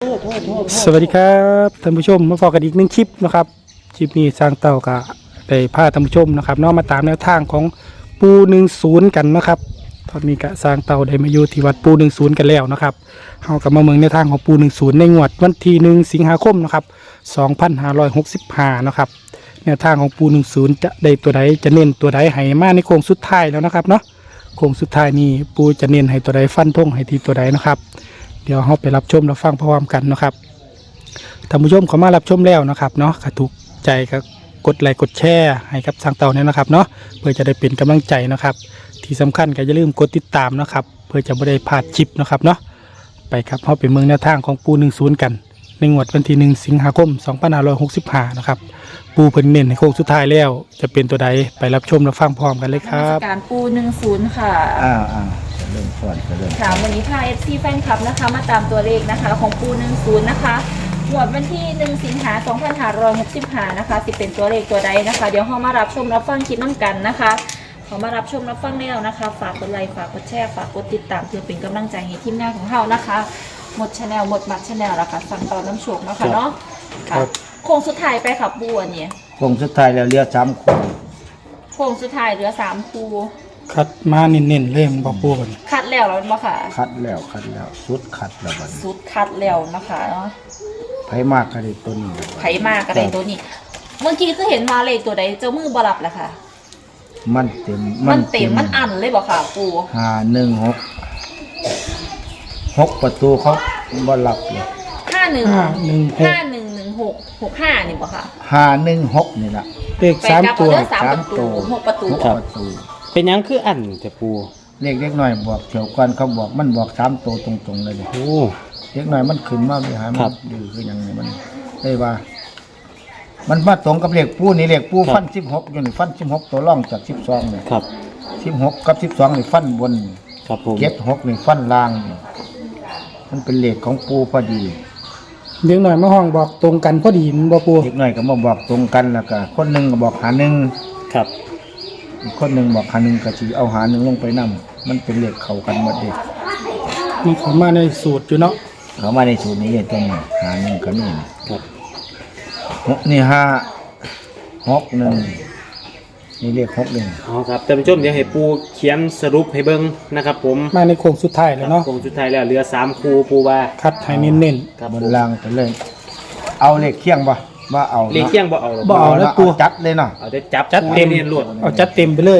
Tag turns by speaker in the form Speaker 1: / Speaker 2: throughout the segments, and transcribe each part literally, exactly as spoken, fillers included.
Speaker 1: สวัสดีครับท่านผู้ชมมาพบกันอีกหนึ่งคลิปนะครับคลิปนี้สร้างเต่ากะได้พาท่านผู้ชมนะครับน้องมาตามแนวทางของปูหนึ่งศูนย์กันนะครับตอนนี้กะสร้างเต่าได้มาอยู่ที่วัดปูหนึ่งศูนย์กันแล้วนะครับเฮากับมาเมืองแนวทางของปูหนึ่งศูนย์ในงวดวันที่หนึ่งสิงหาคมนะครับสองพันห้าร้อยหกสิบห้านะครับแนวทางของปูหนึ่งศูนย์จะได้ตัวใดจะเน้นตัวใดให้มาในโค้งสุดท้ายแล้วนะครับเนาะโค้งสุดท้ายนี้ปูจะเน้นให้ตัวใดฟันธงให้ทีตัวใดนะครับเดี๋ยวเราไปรับชมรับฟังพร้อมกันนะครับท่านผู้ชมเขามารับชมแล้วนะครับเนาะถ้าถูกใจก็กดไลค์กดแชร์ให้กับทางเต่าเนี่ยนะครับเนาะเพื่อจะได้เป็นกำลังใจนะครับที่สำคัญก็อย่าลืมกดติดตามนะครับเพื่อจะไม่ได้พลาดคลิปนะครับเนาะไปครับเราไปเมืองแนวทางของปูหนึ่งศูนย์กันในงวดวันที่หนึ่งสิงหาคมสองพันห้าร้อยหกสิบห้านะครับปูเพิ่นเน้นในโค้งสุดท้ายแล้วจะเป็นตัวใดไปรับชมรับฟังพร้อมกันเลยครับ
Speaker 2: การปูหนึ่งศูนย์ค่ะ
Speaker 3: อ้าวอ้าวจะเริ่มก่อนจะเริ่ม
Speaker 2: ค่ะวันนี้พาเอฟซีแฟนคลับนะคะมาตามตัวเลขนะคะของปูหนึ่งศูนย์นะคะหมวดวันที่หนึ่งสิงหาสองพันห้าร้อยหกสิบห้านะคะสิเป็นตัวเลขตัวใดนะคะเดี๋ยวเรามารับชมรับฟังคลิปน้ำกันนะคะเขามารับชมรับฟังแล้วนะคะฝากกดไลค์ฝากกดแชร์ฝากกดติดตามเพื่อเป็นกำลังใจให้ทีมงานของเรานะคะหมดชาแนลหมดมัดชาแนลแล้วค่ะสั่งต่อน้ำโชคนะคะเนาะค่ะโค้งสุดท้ายไปค่ะปูอันนี้
Speaker 3: โค้งสุดท้ายแล้วเรียกสามคู่
Speaker 2: โค้งสุดท้ายเหลือสามคู
Speaker 1: คัดมาเน้นๆเล่มบอกปูกัน
Speaker 2: คัดแล้วแล้วมั้งค่ะ
Speaker 3: คัดแล้วคัดแล้วสุดคัดแล้วบัด
Speaker 2: สุดคัดแล้วนะคะเนาะ
Speaker 3: ไผมากก็ได้ตัวนี้
Speaker 2: ไผมากก็ได้ตัวนี้เมื่อกี้ก็เห็นมาเลขตัวใดเจ้ามือบลับแหละค่ะ
Speaker 3: มันเต็ม
Speaker 2: มันเต็มมันอันเลยบอกค่ะปู
Speaker 3: ห้าหนึ่งหกหกประตูเขาบลับเลย
Speaker 2: ห้าหนึ่งห้าหนึ่งห้าหนึ่งหนึ่งหกหกห้านี่บอกค่ะ
Speaker 3: ห้าหนึ่งหกนี่แหละ
Speaker 1: เลขสามตัว
Speaker 2: สามประตูหกประตู
Speaker 3: ประตู
Speaker 1: เป็นยังคืออันแต่ปู
Speaker 3: เลขเล็กหน่อยบอกเถียวกันเขาบอกมันบอกสามตัวตรงๆเลยโอ้เล็กหน่อยมันขึ้นมาไม่หายมันดื้อคืออย่างนี้มันได้ว่ามันมาตรงกับเลขปูนี่เลขปูฟันสิบหกอยู่นี่ฟันสิบหกตัวล่องจากสิบสองเลย
Speaker 1: ครับ
Speaker 3: สิบหกกับสิบสองนี่ฟันบน
Speaker 1: ครับผม
Speaker 3: เจ็ดหกนี่ฟันล่างนี่มันเป็นเลขของปูพอดี
Speaker 1: เด็กหน่อยมาห้องบอกตรงกันพอดีมันบอกปู
Speaker 3: เด็กหน่อยก็มาบอกตรงกันแล้วก็คนหนึ่งก็บอกหาหนึ่ง
Speaker 1: ครับ
Speaker 3: อีกคนหนึ่งบอกหาหนึ่งก็จีเอาหาหนึ่งลงไปนำมันเป็นเลขเข้ากันหมดเด็ก
Speaker 1: มันเข้ามาในสูตรอยู่เนาะ
Speaker 3: เข้ามาในสูตรนี้เลยตรงนี้หาหนึ่งก็นี่ครับหกนี่ห้าหกหนึ่งนี่เลขหกหนึ่ง
Speaker 4: อ๋อครับท่านผู้ชมเดี๋ยวให้ปูเขียนสรุปให้เบิ่งนะครับผม
Speaker 1: มาในโค้งสุดท้ายแล้วเนาะ
Speaker 4: โค้งสุดท้ายแล้วเหลือสามคู่ปูว่า
Speaker 1: คัดให้เน้น
Speaker 3: ๆบนล่างไปเลยเอาเลขเคียงบ่ว่าเอา
Speaker 4: เลขเคียงบ่เอา
Speaker 1: บ่เอาแล้วปู
Speaker 3: จัดเลยเนาะ
Speaker 4: เอาได้จับ
Speaker 1: จัดเต็ม
Speaker 4: รวด
Speaker 1: เอาจัดเต็มไปเลย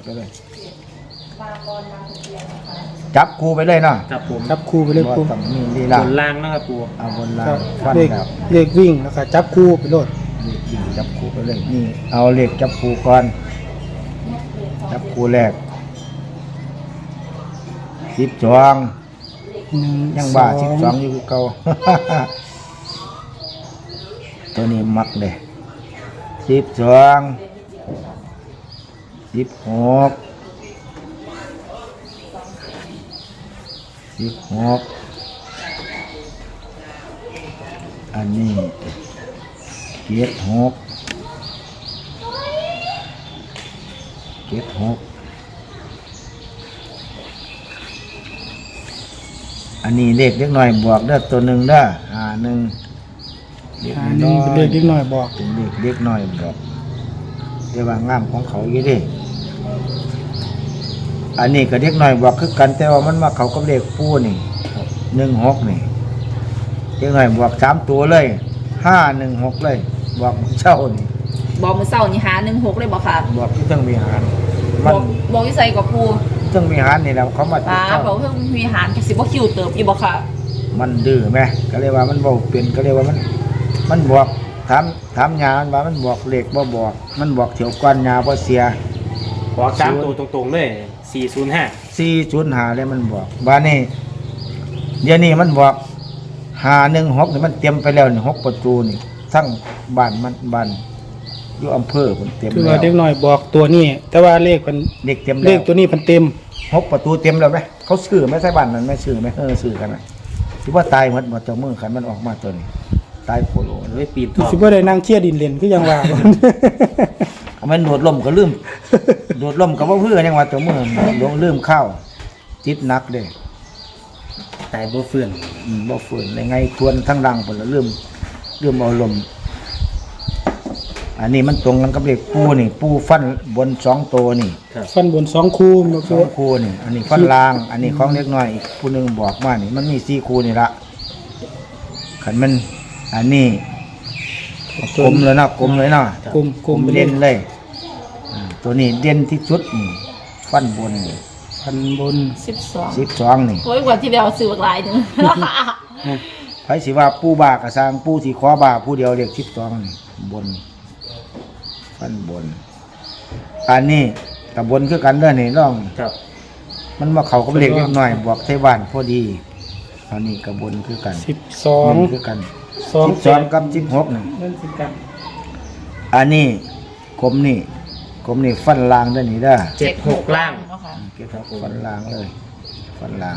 Speaker 3: จับคู่ไปเลยเนาะ
Speaker 4: ครับผม
Speaker 1: จับคู่ไปเลยปู
Speaker 3: มีลีลา
Speaker 4: บนล่างนะครับปู
Speaker 3: เอาบนล่าง
Speaker 1: เลขเลขวิ่งแล้วก็จับคู่ไปเลย
Speaker 3: เลขวิ่งจับคู่ไปเลยนี่เอาเลขจับคู่ก่อนจับคู่แรกสิบสองยังบ้าสิบสองอยู่เก่าตัวนี้มักเลยสิบสองสิบหกสิบหกอันนี้เจ็ดหกเจ็ดหกอันนี้เลขเล็กหน่อยบวกได้ตัวหนึ่งได้ห้าหนึ่ง
Speaker 1: อันนี้เป็นเลขเล็กหน่อยบอก
Speaker 3: เป็นเลขเล็กหน่อยบอกเรียกว่างามของเขาอย่างนี้อันนี้ก็เล็กหน่อยบอกคือกันแต่ว่ามันมาเขากับเลขปูนี่หนึ่งหกนี่เล็กหน่อยบวกสามตัวเลยห้าหนึ่งหกเลยบอกเช่านี่
Speaker 2: บอกมือเศร้านี่หาหนึ่งหกเลยบอกค่ะ
Speaker 3: บอกที่ต้องมีหาร
Speaker 2: บอกบอกที่ใส่กับปู
Speaker 3: ต้องมีหารนี่แหละเขามา
Speaker 2: ป้าเขาเพิ่งมีหารสิบว่าคิวเติมอีบอกค่ะ
Speaker 3: มันดื้อไหมก็เรียกว่ามันบอกเปลี่ยนก็เรียกว่ามันมันบอกถามถามยามันว่ามันบอกเลขบ่บอกมันบอกเถียวก้อนยาบ่เสีย
Speaker 4: บอกสามตัวตรงๆเลยสี่ศูนย์ห้า
Speaker 3: สี่ศูนย์ห้าเลยมันบอกบ้านนี้เดี๋ยวนี้มันบอกห้าหนึ่งหกนี่มันเตรียมไปแล้วนี่หกประตูนี่ทั้งบ้านมันบ้านอยู่อำเภอมันเตรียมแล้ว
Speaker 1: คือว่าเด็กหน่อยบอกตัวนี้แต่ว่าเลขมัน
Speaker 3: เลขเต็ม
Speaker 1: เลขตัวนี้มันเต็ม
Speaker 3: หกประตูเต็มแล้วไหมเขาซื้อไหมใช่บ้านนั้นไม่ซื้อไหมเออซื้อกันไหมที่ว่าตายหมดหมดเจ้ามือขันมันออกมาตัวนี้ตายโคโลเลยปีน
Speaker 1: ท่อคิดว่าได้นั่งเชี่ยดินเล่นคือยังว่า
Speaker 3: มันโดดล่มก็ลืมโดดล่มก็ว่าเพื่อยังว่าเจ้ามือลงลืมข้าวจิตนักเลย
Speaker 4: แต่ตายบ่เฟื่อน
Speaker 3: อืมบ่ฝืนในไงทวนทั้งรังผลละเริ่มเริ่มเอาลมอันนี้มันตรงกันกับเลขปูนี่ปูฟันบนสองตัวนี่
Speaker 1: ฟันบนสองคู่มา
Speaker 3: ส
Speaker 1: ปู
Speaker 3: องคู่นี่ อันนี้ฟันล่าง อันนี้ของเล็กน้อยอีกผู้หนึงบอกมานี่มันมีสี่คู่นี่ละขันมันอันนี้กลมเลยนะกลมเลยนะ
Speaker 1: กลมกลมไปเล
Speaker 3: เด่
Speaker 1: ย
Speaker 3: นเลยอ่าตัวนี้เด่นที่สุดนี่ฟันบนนี่
Speaker 1: ฟันบน
Speaker 2: สิบสอง
Speaker 3: สิบสองนี่
Speaker 2: โอ้ยกว่าที่เราซื้อหลายหนึ่ง
Speaker 3: ไผสิว่าปูบากระสร้างปูที่ขอบาผู้เดียวเรียกสิบสองนี่บนฟันบน อันนี้กับบนคือกันเด้อนี่น้อง
Speaker 4: ครับ
Speaker 3: มันมาเข้ากับเลขเล็กน้อยบวกไทบ้านพอดีอันนี้กับบนคือกัน
Speaker 1: สิบสอง
Speaker 3: บนคือกัน
Speaker 1: สอง
Speaker 3: สิบสองกับสิบหกนี่
Speaker 1: นั่นสิกัน
Speaker 3: อันนี้กลมนี่กลมนี่ฟันลางเด้อนี่เด้อ
Speaker 4: เจ็ดหกล่าง
Speaker 3: เก็บฟันลางเลยฟันลาง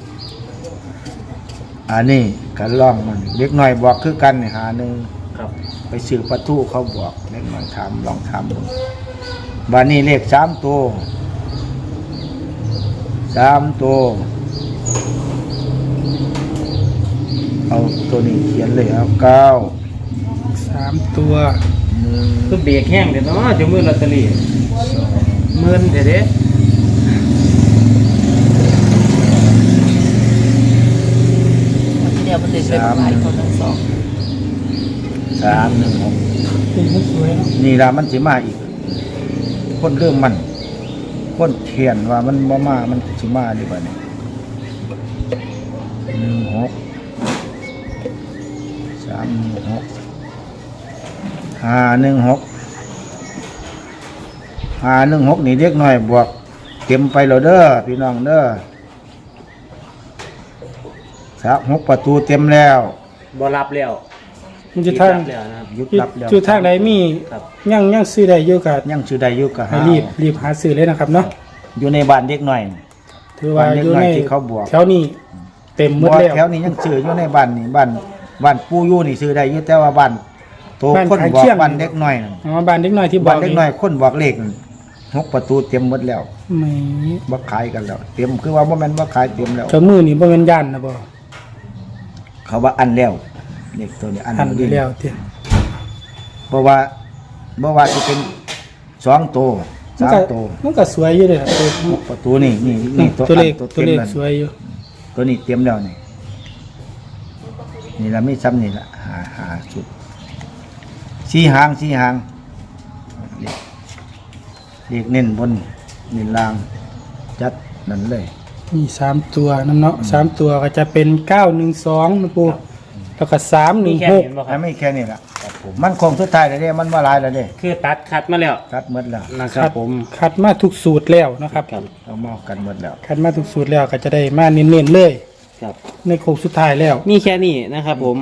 Speaker 3: อันนี้กันล่องมันเล็กน้อยบวกคือกันนี่หาหนึ่ง
Speaker 4: ครับ
Speaker 3: ไปซื้อประตูเขาบอกเล็กน้อยทำลองทำดูบานนี้เลขสามตัวสามตัวเอาตัวนี้เขียนเลยเอาเก้า
Speaker 1: สามตัว
Speaker 3: หนึ่ง
Speaker 4: คือเบรกแห้งเด้เนาะจะมือลอตเตอรี่หมื่นเด้เด้
Speaker 2: เดี๋ยวมันเลยเป็นหลายคนทั้งสอง
Speaker 3: สามหนึ่งหก
Speaker 1: เป็นผู้สวยเนาะ
Speaker 3: นี่ละมันสิมาอีก คนเริ่มมัน คนเขียนว่ามันบ่มามันสิมาดีกว่านี่หนึ่งหกสามหนึ่งหกห้าหนึ่งหกห้าหนึ่งหกนี่เด็กน้อยบวกเต็มไปแล้วเด้อพี่น้องเด้อสามหกประตูเต็มแล้ว
Speaker 4: บ่รับแล้ว
Speaker 1: มันจะทาง
Speaker 4: รับแล้วนะครับ
Speaker 3: หยุดรับแล้ว
Speaker 1: จุดทางใดมี
Speaker 4: ครับ
Speaker 1: ยังยังซื้อได้อยู่กับ
Speaker 3: ยังชื่อใดอยู่ก็
Speaker 1: ให้
Speaker 3: หา
Speaker 1: รีบรีบหาซื้อเลยนะครับเนาะ
Speaker 3: อยู่ในบ้านเด็กน้อย
Speaker 1: ถือว่า
Speaker 3: บ้านเล็ก
Speaker 1: อยู่
Speaker 3: น้อย
Speaker 1: ใน
Speaker 3: ที่เขาบวก
Speaker 1: แถวนี้เต็มหมด
Speaker 3: บ่
Speaker 1: แล้ว
Speaker 3: แถวนี้ยังชื่ออยู่ในบ้านนี่บ้านบ้านปู่อยู่นี่ชื่อได้อยู่แต่ว่าบ้านโต
Speaker 1: บ้าน
Speaker 3: คน
Speaker 1: ขาย
Speaker 3: บอก
Speaker 1: เชี่ยง
Speaker 3: บ้านเด็กน้อยนั่น
Speaker 1: อ๋อบ้านเด็กน้อยที่บอ
Speaker 3: บ้าก นเด็กน้อยคนบอกเลขนั่นหกประตูเต็มหมดแล้ว
Speaker 1: ไม่
Speaker 3: บ่ขายกันแล้ว เต็มคือว่าบ่แม่นบ่ขายเต็มแล้ว
Speaker 1: เจ้ามือนี่บ่แม่นย่านนะบ่
Speaker 3: เขาว่าอันแล้วเลขตัวนี้อัน
Speaker 1: ทันไปแล้วเตี้ย
Speaker 3: เพราะว่าบ่ว่าสิเป็นสองตัว
Speaker 1: มัน
Speaker 3: สาม
Speaker 1: ก็
Speaker 3: ตัว
Speaker 1: มันก็สวยอยู่เด้อตัว
Speaker 3: หกประตูนี่นี่นี่ตัว
Speaker 1: ตัวเลข
Speaker 3: อัน
Speaker 1: ตัวเลข
Speaker 3: ต็ม
Speaker 1: สวยอยู่
Speaker 3: ตัวนี้เต็มแล้วนี่นี่ละไม่ซ้ำนี่ละหาหาชุดสี่หางสี่หางเลขเลขเน้นบนเน้นล่าง จัดนั่นเลย
Speaker 1: มีสามตัวน้ำเนาะสามตัวก็จะเป็นเก้าหนึ่งสองนะปูแล้วก็สามห
Speaker 4: มี
Speaker 1: นึ่ง
Speaker 4: แค่
Speaker 1: หก
Speaker 4: เห็นบ่ค
Speaker 3: ให้
Speaker 4: รับ
Speaker 3: ไม่แค่นี้ละมันคงสุดท้ายแล้วเด้มันว่าหลายแล้วเด้
Speaker 4: คือตัดคัดมาแล้ว
Speaker 3: คัดหมดแล้ว
Speaker 4: นะครับผม
Speaker 1: คัดมาทุกสูตรแล้วนะครับ
Speaker 4: ครับ
Speaker 3: เอามากันหมดแล้ว
Speaker 1: คัดมาทุกสูตรแล้วก็จะได้มาเน้นๆเลย
Speaker 4: ครับ
Speaker 1: ในโค้งสุดท้ายแล้ว
Speaker 4: มีแค่นี้นะครับผม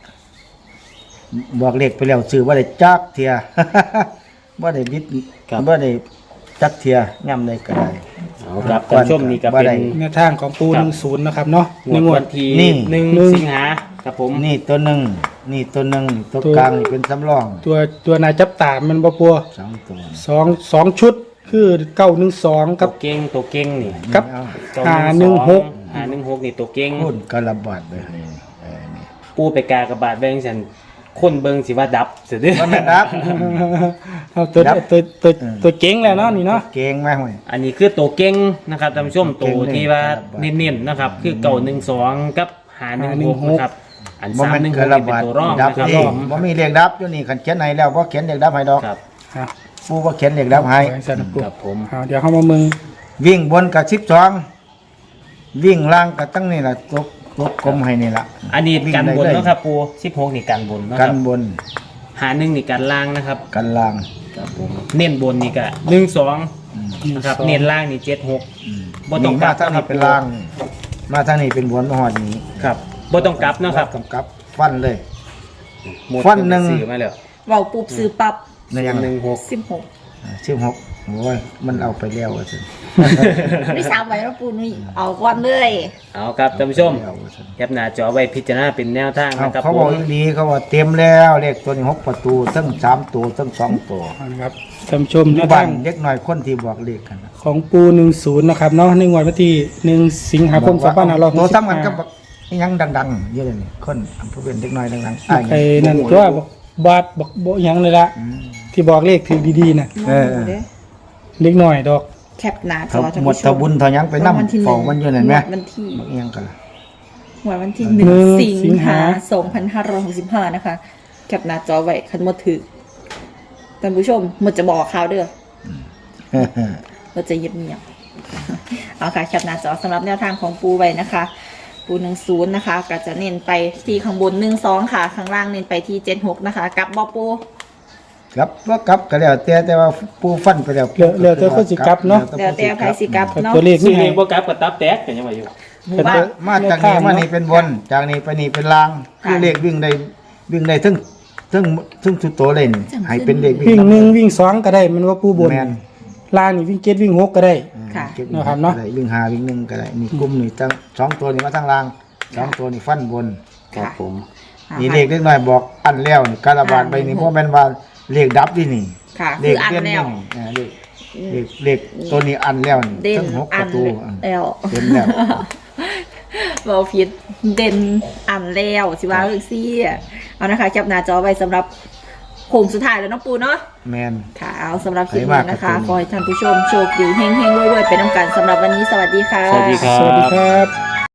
Speaker 3: บอกเลขไปแล้วซื้อว่าได้จักเทีย ว่าได้บิด
Speaker 4: ครับ
Speaker 3: ว่าได้จักเทียย่ำได้ก็ได้
Speaker 4: เอาครับท่านผู้ชมนี่ก็
Speaker 3: บ่
Speaker 4: เป็น
Speaker 3: ได้
Speaker 1: แนวทางของปูหนึ่งศูนย์นะครับเนาะ
Speaker 4: ง
Speaker 1: ใน
Speaker 4: วด
Speaker 1: งว
Speaker 4: วั
Speaker 1: ด
Speaker 4: นที่
Speaker 3: นี่
Speaker 4: หนึ่ง
Speaker 1: หนึ่ง
Speaker 4: สิงหาครับผม
Speaker 3: นี่ตัวหนึ่งนี่ตัวหนึ่งตัว
Speaker 1: ตัว
Speaker 3: กลางนี่เป็นสำรอง
Speaker 1: ตัวตัวนายจับตามันบ่ปัว
Speaker 3: สองตัว
Speaker 1: สองสองชุดคือเก้าหนึ่งสอง
Speaker 4: ตั
Speaker 1: กับ
Speaker 4: วเก่งตัวเก่งนี่
Speaker 1: กับ
Speaker 3: เอา
Speaker 4: ตัว
Speaker 1: หาหนึ่งหก
Speaker 4: หาหนึ่งหกนี่ตัวเก่ง
Speaker 3: พูดกระบาดเลยนี่เออนี่
Speaker 4: ปูไปกากระบาดแบงฉันคนเบิงสิว่าดับเสียเด้อ
Speaker 3: มันไม่ดับ
Speaker 1: เอาตัว
Speaker 3: ครับ
Speaker 1: ตัวตัว
Speaker 3: อืม
Speaker 1: ตัวเก่งแล้วเนาะนี่เนาะ
Speaker 3: เก่งไหมห่วย
Speaker 4: อันนี้คือตัวเก่งนะครับท่านผู้ชม
Speaker 3: ตั
Speaker 4: ตัว ว
Speaker 3: เก่ง
Speaker 4: ที่ว่า
Speaker 3: เลย
Speaker 4: เน้นๆนะครับ คือเก่าหนึ่งสองกับหาหนึ่งหกนะครับอัน
Speaker 3: บ่
Speaker 4: สาม
Speaker 3: แม่น
Speaker 4: หนึ่งห
Speaker 3: ก
Speaker 4: ก
Speaker 3: ระ
Speaker 4: นี่เป็น
Speaker 3: บาด
Speaker 4: ตัวร่อง
Speaker 3: ดับ
Speaker 4: นะครับ
Speaker 3: นี่บ่มีเลขดับอยู่นี่คันเขียนให้แล้วบ่เขียนเลขดับให้ดอก
Speaker 4: ครับ
Speaker 1: อ่ะ
Speaker 3: ผู้บ่เขียนเลขดับให้
Speaker 1: ไว้สันนะปู
Speaker 4: ครับผม
Speaker 1: เอาเดี๋ยวเข้ามามึง
Speaker 3: วิ่งบนกับสิบสองวิ่งล่างกับตั้งนี่ล่ะตกตกกลมให้นี่ล่ะ
Speaker 4: อันนี้
Speaker 3: วิ่ง
Speaker 4: กัน
Speaker 3: ได้
Speaker 4: บน
Speaker 3: เลย
Speaker 4: เนาะครับปูสิบหกนี่กันบนเนาะค
Speaker 3: กั
Speaker 4: รั
Speaker 3: น
Speaker 4: บบ
Speaker 3: น
Speaker 4: หาหนึ่งนี่กันล่างนะครับ
Speaker 3: กันล่าง
Speaker 4: ครับผมเน้นบนนี่ก็หนึ่งสอง
Speaker 3: อืม
Speaker 4: นะครับเน้นล่างนี่เจ็ดหก
Speaker 3: อืม
Speaker 4: บ่ต้อง
Speaker 3: นี่
Speaker 4: กลั
Speaker 3: มา
Speaker 4: บ
Speaker 3: ทาง
Speaker 4: ครั
Speaker 3: นี้
Speaker 4: บ
Speaker 3: เป็นล่าง มาทางนี้เป็นบนมาหอดนี้
Speaker 4: ครับบ่ต้องกลับเนาะครับ
Speaker 3: กำกับฟันเลย
Speaker 4: หมด
Speaker 3: ฟันหนึ่ง
Speaker 4: ซื้อมาแล้ว
Speaker 2: เบาปุ๊บซื้อปั๊บ
Speaker 3: ในยัง
Speaker 4: หนึ่งหก
Speaker 2: สิบหก
Speaker 3: สิบหกโอ้ยมันเอาไปแล้วว่าสิ
Speaker 2: ไม่สามใบแล้วปูนี่เอาก่อนเลย
Speaker 4: เอาครับท่านผู้ชม
Speaker 3: เอาว่าซั่น
Speaker 4: แคปหน้าจอไว้พิจารณาเป็นแนวทาง
Speaker 3: เอา
Speaker 4: นะครับ
Speaker 3: เขา
Speaker 4: ผ
Speaker 3: บอก
Speaker 4: ม
Speaker 3: อีกดีเขาว่าเต็มแล้วเลขตัวนี้หกประตูทั้งสามตัวทั้งสองตัว
Speaker 1: เอานะครับท่านผู้ชม
Speaker 3: ห
Speaker 1: แน
Speaker 3: มู่
Speaker 1: ว
Speaker 3: บ้า
Speaker 1: ทาน ง
Speaker 3: เล็กน้อยคนที่บอกเลขกันนะ
Speaker 1: ของปูหนึ่งศูนย์นะครับเนาะในงวดวันที่หนึ่งสิงหาคมสองพันห้าร้อยห
Speaker 3: ตัว
Speaker 1: กสิบ
Speaker 3: ซ้ำกัน
Speaker 1: ห้า
Speaker 3: กับยังดังๆเยอะเลยนี่คนอำเภอเวียงเด็กน้อยดังๆอ้าย
Speaker 1: ไอ้นั่นตัวบอกบาดบอกบ่หยังเลยละ
Speaker 3: อืม
Speaker 1: ที่บอกเลขถือดีๆน่ะ
Speaker 3: เออ
Speaker 2: เด้อ
Speaker 1: เล็กน้อยดอก
Speaker 2: แคปหน้าจ
Speaker 3: เขา
Speaker 2: อท่าน
Speaker 3: หมด
Speaker 2: ผู้ช
Speaker 3: ทบุญทายังไปนำของมันอยู่นั่นแหม
Speaker 2: วันที่
Speaker 3: บักเอียงกันล่ะ
Speaker 2: วันที่หนึ่ง
Speaker 1: หนึ่ง
Speaker 2: สิ
Speaker 1: สิ
Speaker 2: ง
Speaker 1: ง
Speaker 2: หา
Speaker 1: หา
Speaker 2: สองพันห้าร้อยหกสิบห้านะคะแคปหน้าจอไว้คันหมดถือท่านผู้ชมหมดจะบอกข่าวเด้อเราจะเงียบๆเอาค่ะแคปหน้าจอสำหรับแนวทางของปูไว้นะคะ ปูหนึ่งศูนย์นะคะก็จะเน้นไปที่ข้างบนหนึ่งสองค่ะ ข้างล่างเน้นไปที่เจ็ดหกนะคะกลับบอปู
Speaker 3: ครับว่ากลับก็แล้วแต่แต่ว่าผู้ฟันไปแล้ว
Speaker 1: เหลือเหลือแต่คนสิกลับเนาะ
Speaker 2: แล้วแต่ไพสิกลับเนาะ
Speaker 1: ตัวเลข
Speaker 4: ซื้
Speaker 1: นี่
Speaker 4: อเล
Speaker 1: ให้
Speaker 4: ขบ่กลับก็ตับแตกกันยังว่าอยู่
Speaker 1: เป็น
Speaker 2: ว่า
Speaker 3: มาจากนี้มานี่เป็นบนจากนี้ไปนี่เป็นลางคือเลขวิ่งได้วิ่งได้ทั้งทั้งทั้งสุดโตเลยนี่ให้เป็นเลข
Speaker 1: วิ่งหนึ่งวิ่งสองก็ได้มันว่าปูบน
Speaker 3: แม่น
Speaker 1: ล่างนี่วิ่งเจ็ดวิ่งหกก็ได้
Speaker 2: ค่ะ
Speaker 3: เก็บ
Speaker 1: นะครับเนาะ
Speaker 3: ก็ได้วิ่งหาวิ่งหนึ่งก็ได้นี่กลุ่มนี่ทั้งสองตัวนี่มาทั้งล่างสองตัวนี่ฟันบน
Speaker 4: ครับผม
Speaker 3: นี่เลขเล็กน้อยบอกอันแล้วนี่การบาดไปนี่เพราะแม่นว่าเลขดับดินี่
Speaker 2: ค่ะ
Speaker 3: เล
Speaker 2: คือ
Speaker 3: ข
Speaker 2: อัน
Speaker 3: เด่น
Speaker 2: แล้ว
Speaker 3: นี่อ่าเลขเลขเลขตัวนี้อันแล้วนี่
Speaker 2: เด่น
Speaker 3: ทั้งหกป
Speaker 2: อั
Speaker 3: ระ
Speaker 2: น
Speaker 3: ตูอ่ะ
Speaker 2: แล้ว
Speaker 3: เต็มแล้ว
Speaker 2: บอพิษเด่นอันแล้วสิว่าเรื่องซี่เอานะคะแคปหน้าจอไว้สำหรับโค้งสุดท้ายแล้วเน้องปูเนาะ
Speaker 3: แมน
Speaker 2: ค่ะเอาสำหรับคลิป
Speaker 3: ให้
Speaker 2: นี้
Speaker 3: มาก
Speaker 2: นะคะ
Speaker 3: ครับ
Speaker 2: ขอให้ท่านผู้ชมโชคดีเฮงๆรวยๆไปน้ำกันสำหรับวันนี้สวัสดีค่ะ
Speaker 4: สวัสดีครับ
Speaker 1: สวัสดีครับ